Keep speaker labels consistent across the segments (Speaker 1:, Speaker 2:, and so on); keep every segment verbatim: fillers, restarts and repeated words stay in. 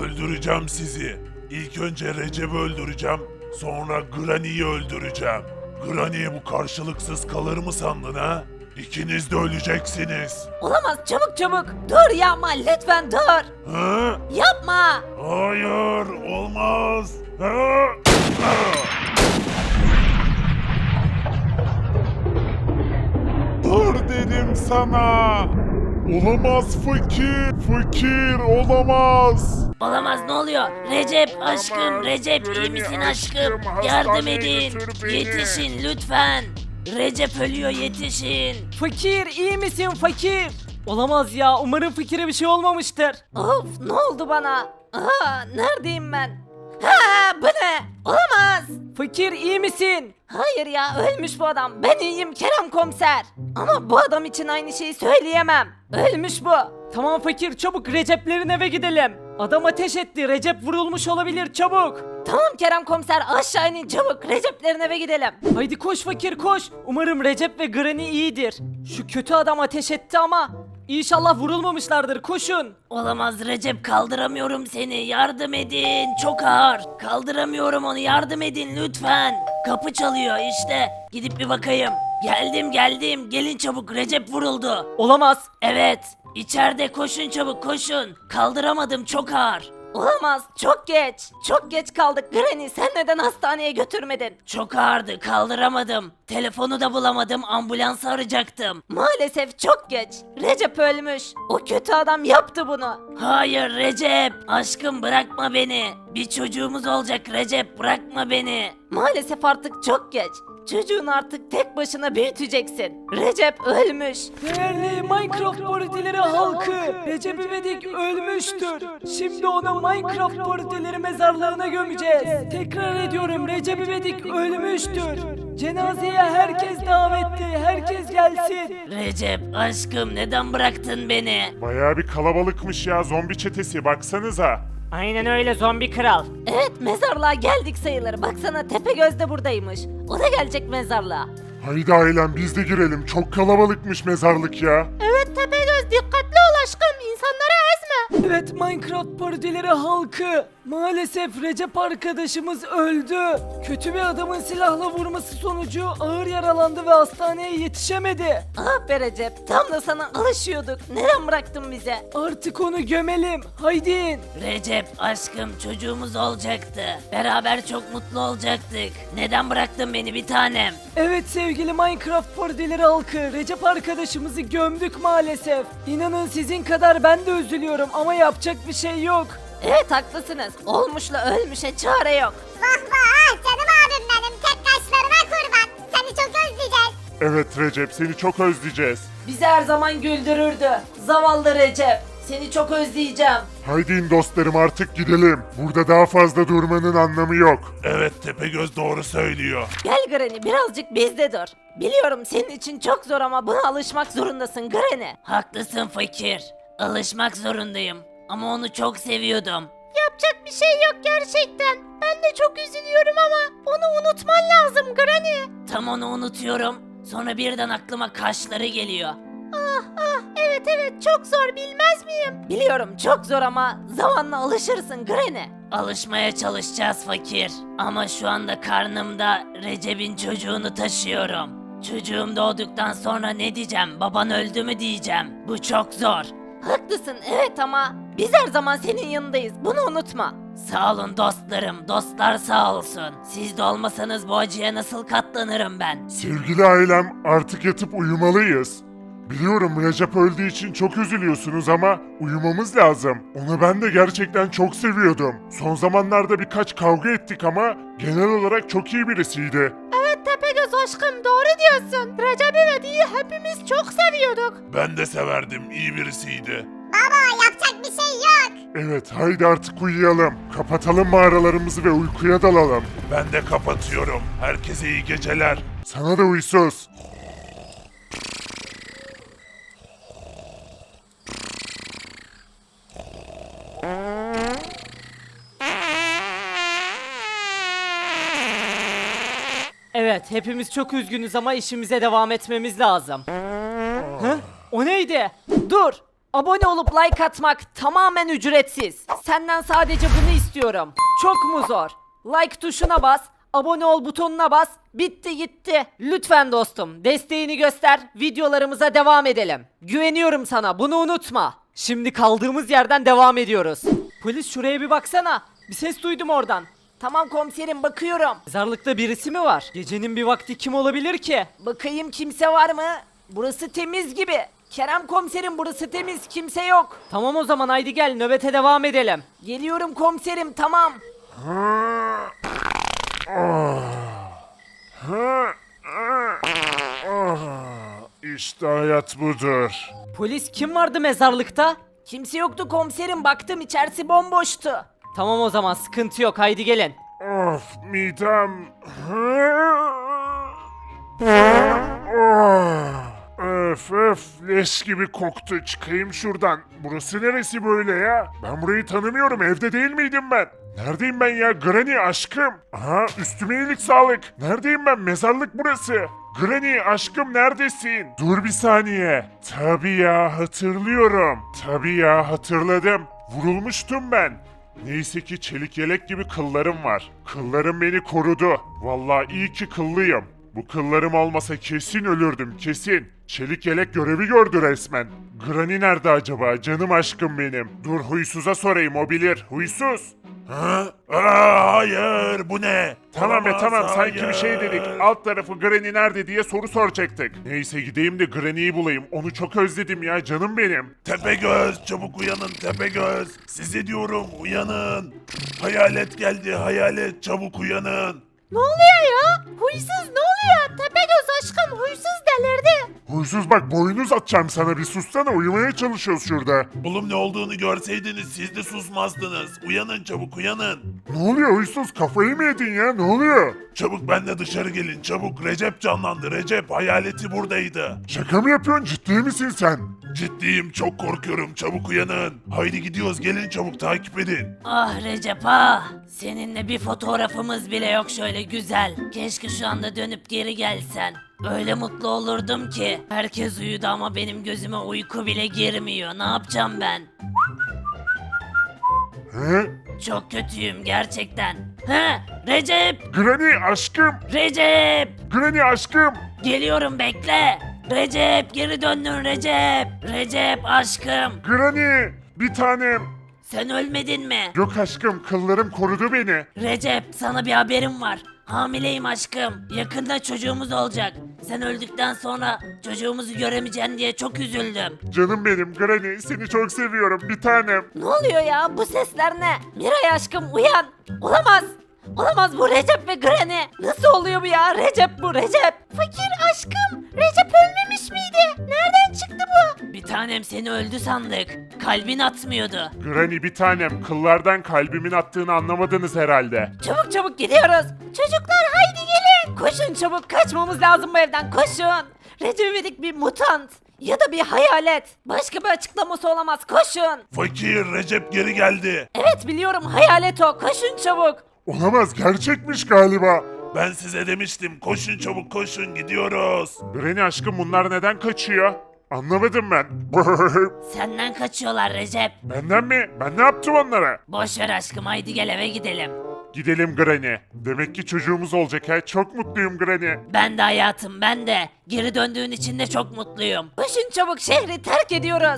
Speaker 1: Öldüreceğim sizi. İlk önce Recep'i öldüreceğim. Sonra Granny'yi öldüreceğim. Granny bu karşılıksız kalır mı sandın ha? İkiniz de öleceksiniz.
Speaker 2: Olamaz, çabuk çabuk. Dur yapma, lütfen dur.
Speaker 1: Ha?
Speaker 2: Yapma.
Speaker 1: Hayır, olmaz. Ha? Ha?
Speaker 3: Dur dedim sana. Olamaz fakir. Fakir olamaz.
Speaker 2: Olamaz, ne oluyor? Recep aşkım, Recep iyi misin aşkım? Yardım edin. Yetişin lütfen. Recep ölüyor, yetişin.
Speaker 4: Fakir iyi misin fakir? Olamaz ya, umarım fakire bir şey olmamıştır.
Speaker 2: Of, ne oldu bana? Aa, neredeyim ben? Ha, bu ne? Olamaz.
Speaker 4: Fakir iyi misin?
Speaker 2: Hayır ya, ölmüş bu adam. Ben iyiyim Kerem komiser. Ama bu adam için aynı şeyi söyleyemem. Ölmüş bu.
Speaker 4: Tamam fakir, çabuk Recep'lerin eve gidelim. Adam ateş etti, Recep vurulmuş olabilir, çabuk.
Speaker 2: Tamam Kerem komiser, aşağı inin çabuk. Recep'lerin eve gidelim.
Speaker 4: Haydi koş fakir koş. Umarım Recep ve Granny iyidir. Şu kötü adam ateş etti ama İnşallah vurulmamışlardır, koşun.
Speaker 2: Olamaz Recep, kaldıramıyorum seni, yardım edin, çok ağır. Kaldıramıyorum onu, yardım edin lütfen. Kapı çalıyor işte, gidip bir bakayım. Geldim geldim, gelin çabuk, Recep vuruldu.
Speaker 4: Olamaz.
Speaker 2: Evet, içeride, koşun çabuk koşun. Kaldıramadım, çok ağır. Olamaz, çok geç. Çok geç kaldık Granny, sen neden hastaneye götürmedin? Çok ağırdı, kaldıramadım. Telefonu da bulamadım, ambulans arayacaktım. Maalesef çok geç. Recep ölmüş. O kötü adam yaptı bunu. Hayır Recep, aşkım bırakma beni. Bir çocuğumuz olacak Recep, bırakma beni. Maalesef artık çok geç. Çocuğunu artık tek başına büyüteceksin. Recep ölmüş.
Speaker 4: Değerli Minecraft partileri halkı, Recep İvedik ölmüştür. Şimdi onu Minecraft partileri mezarlığına gömeceğiz. Tekrar ediyorum, Recep İvedik ölmüştür. Cenazeye herkes davetli, herkes gelsin.
Speaker 2: Recep aşkım, neden bıraktın beni?
Speaker 3: Bayağı bir kalabalıkmış ya, zombi çetesi, baksanıza.
Speaker 4: Aynen öyle zombi kral.
Speaker 2: Evet, mezarlığa geldik sayılır. Baksana, Tepegöz de buradaymış. O da gelecek mezarlığa.
Speaker 3: Haydi ailem biz de girelim, çok kalabalıkmış mezarlık ya.
Speaker 2: Evet Tepegöz, dikkatli ol aşkım. İnsanları ezme.
Speaker 4: Evet Minecraft partileri halkı, maalesef Recep arkadaşımız öldü. Kötü bir adamın silahla vurması sonucu ağır yaralandı ve hastaneye yetişemedi.
Speaker 2: Ah be Recep, tam da sana alışıyorduk. Neden bıraktın bize?
Speaker 4: Artık onu gömelim, haydi in.
Speaker 2: Recep aşkım, çocuğumuz olacaktı. Beraber çok mutlu olacaktık. Neden bıraktın beni bir tanem?
Speaker 4: Evet sevgili Minecraft partileri halkı, Recep arkadaşımızı gömdük maalesef. İnanın sizin kadar ben de üzülüyorum ama yapacak bir şey yok.
Speaker 2: Evet haklısınız. Olmuşla ölmüşe çare yok.
Speaker 5: Vah vah canım abim benim, tek kaşlarına kurban. Seni çok özleyeceğiz.
Speaker 3: Evet Recep, seni çok özleyeceğiz.
Speaker 2: Bizi her zaman güldürürdü. Zavallı Recep. Seni çok özleyeceğim.
Speaker 3: Haydi in dostlarım, artık gidelim. Burada daha fazla durmanın anlamı yok.
Speaker 1: Evet, Tepegöz doğru söylüyor.
Speaker 2: Gel Granny, birazcık bizde dur. Biliyorum senin için çok zor ama buna alışmak zorundasın Granny. Haklısın fakir. Alışmak zorundayım. Ama onu çok seviyordum. Yapacak bir şey yok gerçekten. Ben de çok üzülüyorum ama onu unutman lazım Granny. Tam onu unutuyorum. Sonra birden aklıma kaşları geliyor. Ah ah, evet evet, çok zor, bilmez miyim? Biliyorum çok zor ama zamanla alışırsın Granny. Alışmaya çalışacağız fakir. Ama şu anda karnımda Recep'in çocuğunu taşıyorum. Çocuğum doğduktan sonra ne diyeceğim? Baban öldü mü diyeceğim. Bu çok zor. Haklısın evet ama biz her zaman senin yanındayız. Bunu unutma. Sağ olun dostlarım. Dostlar sağ olsun. Siz de olmasanız bu acıya nasıl katlanırım ben?
Speaker 3: Sevgili ailem, artık yatıp uyumalıyız. Biliyorum Recep öldüğü için çok üzülüyorsunuz ama uyumamız lazım. Onu ben de gerçekten çok seviyordum. Son zamanlarda birkaç kavga ettik ama genel olarak çok iyi birisiydi.
Speaker 2: Evet Tepegöz aşkım, doğru diyorsun. Recep İvedik'i hepimiz çok seviyorduk.
Speaker 1: Ben de severdim, iyi birisiydi.
Speaker 5: Baba yapacak bir şey yok.
Speaker 3: Evet, haydi artık uyuyalım. Kapatalım mağaralarımızı ve uykuya dalalım.
Speaker 1: Ben de kapatıyorum. Herkese iyi geceler.
Speaker 3: Sana da uysuz.
Speaker 4: Evet hepimiz çok üzgünüz ama işimize devam etmemiz lazım. Hı? O neydi? Dur! Abone olup like atmak tamamen ücretsiz. Senden sadece bunu istiyorum. Çok mu zor? Like tuşuna bas, abone ol butonuna bas. Bitti gitti. Lütfen dostum, desteğini göster. Videolarımıza devam edelim. Güveniyorum sana, bunu unutma. Şimdi kaldığımız yerden devam ediyoruz. Polis şuraya bir baksana. Bir ses duydum oradan.
Speaker 2: Tamam komiserim bakıyorum.
Speaker 4: Mezarlıkta birisi mi var? Gecenin bir vakti kim olabilir ki?
Speaker 2: Bakayım kimse var mı? Burası temiz gibi. Kerem komiserim burası temiz kimse yok.
Speaker 4: Tamam o zaman haydi gel nöbete devam edelim.
Speaker 2: Geliyorum komiserim tamam.
Speaker 3: İşte hayat budur.
Speaker 4: Polis kim vardı mezarlıkta?
Speaker 2: Kimse yoktu komiserim baktım içerisi bomboştu.
Speaker 4: Tamam o zaman sıkıntı yok haydi gelin.
Speaker 3: Of midem. Öf öf leş gibi koktu. Çıkayım şuradan. Burası neresi böyle ya? Ben burayı tanımıyorum. Evde değil miydim ben? Neredeyim ben ya? Granny aşkım. Aha üstüme iyilik sağlık. Neredeyim ben? Mezarlık burası. Granny aşkım neredesin? Dur bir saniye. Tabii ya hatırlıyorum. Tabii ya hatırladım. Vurulmuştum ben. Neyse ki çelik yelek gibi kıllarım var. Kıllarım beni korudu. Vallahi iyi ki kıllıyım. Bu kıllarım olmasa kesin ölürdüm kesin. Çelik yelek görevi gördü resmen. Granny nerede acaba canım aşkım benim? Dur huysuza sorayım o bilir. Huysuz.
Speaker 1: Ha? Aa, hayır bu ne?
Speaker 3: Tamam be
Speaker 1: Olamaz,
Speaker 3: tamam sanki bir
Speaker 1: hayır.
Speaker 3: şey dedik. Alt tarafı Granny nerede diye soru soracaktık. Neyse gideyim de Granny'yi bulayım. Onu çok özledim ya canım benim.
Speaker 1: Tepegöz çabuk uyanın Tepegöz. Size diyorum uyanın. Hayalet geldi hayalet çabuk uyanın.
Speaker 2: Ne oluyor ya? Huysuz ne oluyor? Tepegöz aşkım huysuz delirdi.
Speaker 3: Huysuz bak boynu uzatacağım sana bir sussana uyumaya çalışıyoruz şurada.
Speaker 1: Oğlum ne olduğunu görseydiniz siz de susmazdınız. Uyanın çabuk uyanın.
Speaker 3: Ne oluyor huysuz kafayı mı yedin ya ne oluyor?
Speaker 1: Çabuk benle dışarı gelin çabuk. Recep canlandı Recep hayaleti buradaydı.
Speaker 3: Şaka mı yapıyorsun ciddi misin sen?
Speaker 1: Ciddiyim çok korkuyorum çabuk uyanın. Haydi gidiyoruz gelin çabuk takip edin.
Speaker 2: Ah Recep ah. Seninle bir fotoğrafımız bile yok şöyle güzel. Keşke şu anda dönüp geri gelsen. Öyle mutlu olurdum ki. Herkes uyudu ama benim gözüme uyku bile girmiyor. Ne yapacağım ben?
Speaker 3: He?
Speaker 2: Çok kötüyüm gerçekten. He Recep!
Speaker 3: Granny aşkım!
Speaker 2: Recep!
Speaker 3: Granny aşkım!
Speaker 2: Geliyorum bekle. Recep geri döndün Recep. Recep aşkım.
Speaker 3: Granny! Bir tanem!
Speaker 2: Sen ölmedin mi?
Speaker 3: Yok aşkım kıllarım korudu beni.
Speaker 2: Recep sana bir haberim var. Hamileyim aşkım. Yakında çocuğumuz olacak. Sen öldükten sonra çocuğumuzu göremeyeceksin diye çok üzüldüm.
Speaker 3: Canım benim Granny seni çok seviyorum bir tanem.
Speaker 2: Ne oluyor ya? Bu sesler ne? Miray aşkım uyan. Olamaz. Olamaz bu Recep ve Granny. Nasıl oluyor bu ya? Recep bu Recep. Fakir aşkım. Recep ölmemiş miydi? Nereden çıktı bu? Bir tanem seni öldü sandık. Kalbin atmıyordu.
Speaker 3: Granny bir tanem kıllardan kalbimin attığını anlamadınız herhalde.
Speaker 2: Çabuk çabuk gidiyoruz. Çocuklar haydi gelin. Koşun çabuk kaçmamız lazım bu evden koşun. Recep İvedik bir mutant. Ya da bir hayalet. Başka bir açıklaması olamaz koşun.
Speaker 1: Fakir Recep geri geldi.
Speaker 2: Evet biliyorum hayalet o koşun çabuk.
Speaker 3: Olamaz gerçekmiş galiba.
Speaker 1: Ben size demiştim koşun çabuk koşun gidiyoruz.
Speaker 3: Granny aşkım bunlar neden kaçıyor? Anlamadım ben.
Speaker 2: Senden kaçıyorlar Recep.
Speaker 3: Benden mi? Ben ne yaptım onlara?
Speaker 2: Boş ver aşkım haydi gel eve gidelim.
Speaker 3: Gidelim Granny. Demek ki çocuğumuz olacak ha. Çok mutluyum Granny.
Speaker 2: Ben de hayatım ben de. Geri döndüğün için de çok mutluyum. Koşun çabuk şehri terk ediyoruz.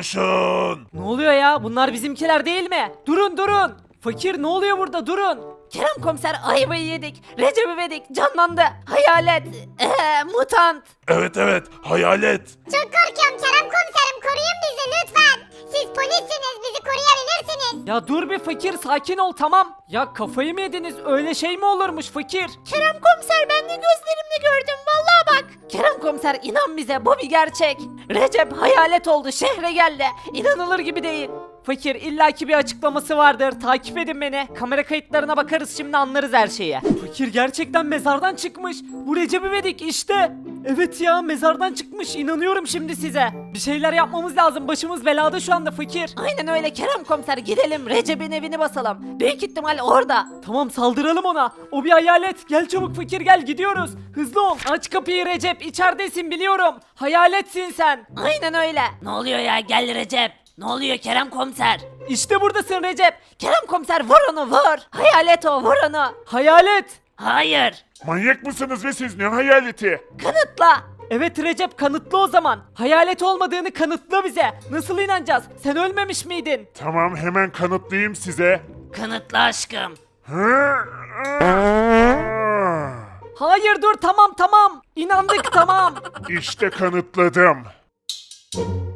Speaker 1: Koşun.
Speaker 4: Ne oluyor ya? Bunlar bizimkiler değil mi? Durun durun. Fakir ne oluyor burada? Durun.
Speaker 2: Kerem komiser ayvayı yedik. Recep İvedik canlandı. Hayalet. Ee, mutant.
Speaker 1: Evet evet hayalet.
Speaker 5: Çok korkuyorum Kerem komiserim koruyun bizi lütfen. Siz polissiniz bizi koruyabilirsiniz.
Speaker 4: Ya dur bir fakir sakin ol tamam. Ya kafayı mı yediniz? Öyle şey mi olurmuş fakir?
Speaker 2: Kerem komiser ben de gözlerimle gördüm vallahi bak. Kerem komiser inan bize bu bir gerçek. Recep hayalet oldu şehre geldi. İnanılır gibi değil.
Speaker 4: Fakir illaki bir açıklaması vardır. Takip edin beni. Kamera kayıtlarına bakarız şimdi anlarız her şeyi. Fakir gerçekten mezardan çıkmış. Bu Recep İvedik işte. Evet ya mezardan çıkmış. İnanıyorum şimdi size. Bir şeyler yapmamız lazım. Başımız belada şu anda fakir.
Speaker 2: Aynen öyle Kerem komiser, gidelim Recep'in evini basalım. Büyük ihtimal orada.
Speaker 4: Tamam saldıralım ona. O bir hayalet. Gel çabuk fakir gel gidiyoruz. Hızlı ol. Aç kapıyı Recep. İçeridesin biliyorum. Hayaletsin sen.
Speaker 2: Aynen öyle. Ne oluyor ya, gel Recep. Ne oluyor Kerem komiser?
Speaker 4: İşte buradasın Recep.
Speaker 2: Kerem komiser vur onu vur. Hayalet o, vur onu.
Speaker 4: Hayalet.
Speaker 2: Hayır.
Speaker 3: Manyak mısınız ve siz ne hayaleti?
Speaker 2: Kanıtla.
Speaker 4: Evet Recep kanıtla o zaman. Hayalet olmadığını kanıtla bize. Nasıl inanacağız? Sen ölmemiş miydin?
Speaker 3: Tamam hemen kanıtlayayım size.
Speaker 2: Kanıtla aşkım.
Speaker 3: Hı?
Speaker 4: Hayır dur tamam tamam. İnandık tamam.
Speaker 3: İşte kanıtladım.